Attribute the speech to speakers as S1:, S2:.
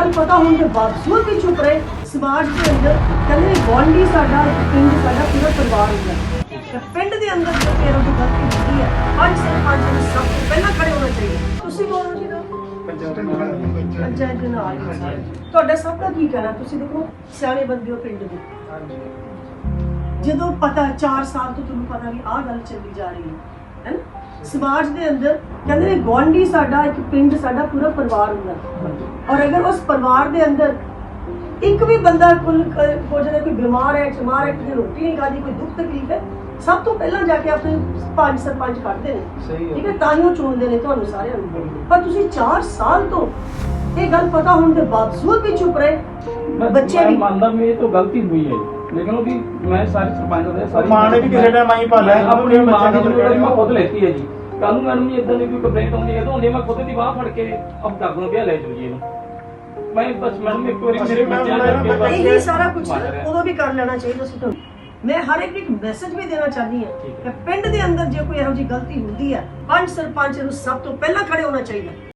S1: ਗੱਲ ਪਤਾ ਹੋਣ ਦੇ ਬਾਵਜੂਦ ਵੀ ਚੁੱਪ ਰਹੇ। ਸਮਾਜ ਦੇ ਅੰਦਰ ਕਹਿੰਦੇ ਗਵਾਂਢੀ ਸਾਡਾ, ਪਿੰਡ ਸਾਡਾ, ਪੂਰਾ ਪਰਿਵਾਰ ਹੁੰਦਾ। ਪਿੰਡ ਦੇ ਅੰਦਰ ਜੋ ਇਹੋ ਜਿਹੀ ਗਲਤੀ ਹੁੰਦੀ ਹੈ, ਪੰਜ ਸਰਪੰਚ ਨੂੰ ਸਭ ਤੋਂ ਪਹਿਲਾਂ ਖੜੇ ਹੋਣਾ ਚਾਹੀਦਾ। ਤੁਸੀਂ ਬੋਲੋ ਜੀ ਨਾ ਪੰਚਾਇਤ ਦੇ ਨਾਲ ਤੁਹਾਡਾ ਸਭ ਦਾ ਕੀ ਕਹਿਣਾ? ਤੁਸੀਂ ਦੇਖੋ ਸਿਆਣੇ ਬੰਦੇ ਹੋ ਪਿੰਡ ਦੇ, ਜਦੋਂ ਪਤਾ 4 ਸਾਲ ਤੋਂ ਤੁਹਾਨੂੰ ਪਤਾ ਵੀ ਆਹ ਗੱਲ ਚੱਲੀ ਜਾ ਰਹੀ ਹੈ ਨਾ, ਸਮਾਜ ਦੇ ਅੰਦਰ ਕਹਿੰਦੇ ਨੇ ਗੁਆਂਢੀ ਸਾਡਾ, ਇੱਕ ਪਿੰਡ ਸਾਡਾ, ਪੂਰਾ ਪਰਿਵਾਰ ਹੁੰਦਾ। ਔਰ ਅਗਰ ਉਸ ਪਰਿਵਾਰ ਦੇ ਅੰਦਰ ਇੱਕ ਵੀ ਬੰਦਾ ਹੋ ਜਾਵੇ, ਕੋਈ ਬਿਮਾਰ ਹੈ, ਚਮਾਰ ਹੈ, ਕਿਸੇ ਰੋਟੀ ਨਹੀਂ ਖਾਦੀ, ਕੋਈ ਦੁੱਖ ਤਕਲੀਫ ਹੈ, ਸਭ ਤੋਂ ਪਹਿਲਾਂ ਜਾ ਕੇ ਆਪਣੇ ਪੰਜ ਸਰਪੰਚ ਕੱਢਦੇ ਨੇ, ਠੀਕ ਹੈ, ਤਾਂ ਹੀ ਉਹ ਚੁਣਦੇ ਨੇ ਤੁਹਾਨੂੰ ਸਾਰਿਆਂ ਨੂੰ। ਪਰ ਤੁਸੀਂ 4 ਸਾਲ ਤੋਂ ਇਹ ਗੱਲ ਪਤਾ ਹੋਣ ਦੇ ਬਾਵਜੂਦ ਵੀ ਚੁੱਪ ਰਹੇ। ਬੱਚੇ ਵੀ
S2: ਮੰਨਦਾ ਵੀ ਇਹ ਤਾਂ ਗਲਤੀ ਹੋਈ ਹੈ, ਲੇਕਿਨ ਉਹ ਵੀ ਮੈਂ ਸਾਰੇ ਸਰਪੰਚ ਦੇ ਸਾਰੀ
S3: ਮਾਂ ਨੇ ਵੀ ਕਿਸੇ ਟਾਈਮ ਆਈ ਭਾਲਿਆ
S2: ਆਪਣੀ ਮਾਂ ਦੀ ਜ਼ਿੰਮੇਵਾਰੀ ਮੈਂ ਖੁਦ ਲੈਤੀ ਹੈ ਜੀ। ਕੱਲ ਨੂੰ ਮੈਨੂੰ ਇਦਾਂ ਦੀ ਕੋਈ ਕੰਪਲੇਂਟ ਆਉਂਦੀ ਹੈ ਤਾਂ ਹੁੰਦੀ ਮੈਂ ਖੁਦ ਦੀ ਬਾਹ ਫੜ ਕੇ ਅਬ ਕਰ ਦੂੰ ਵੀ ਲੈ ਜਾਓ ਜੀ ਇਹਨੂੰ। ਮੈਂ ਬਸ ਮੈਨੂੰ ਇੱਕ ਵਾਰੀ ਮੇਰੇ ਬੱਚਿਆਂ ਕਰਕੇ
S1: ਇਹ ਸਾਰਾ ਕੁਝ ਉਦੋਂ ਵੀ ਕਰ ਲੈਣਾ ਚਾਹੀਦਾ ਸੀ ਤੁਹਾਨੂੰ। ਮੈਂ ਹਰ ਇੱਕ ਨੂੰ ਮੈਸੇਜ ਵੀ ਦੇਣਾ ਚਾਹਨੀ ਹਾਂ ਕਿ ਪਿੰਡ ਦੇ ਅੰਦਰ ਜੇ ਕੋਈ ਇਹੋ ਜਿਹੀ ਗਲਤੀ ਹੁੰਦੀ ਹੈ, ਪੰਜ ਸਰਪੰਚ ਨੂੰ ਸਭ ਤੋਂ ਪਹਿਲਾਂ ਖੜੇ ਹੋਣਾ ਚਾਹੀਦਾ।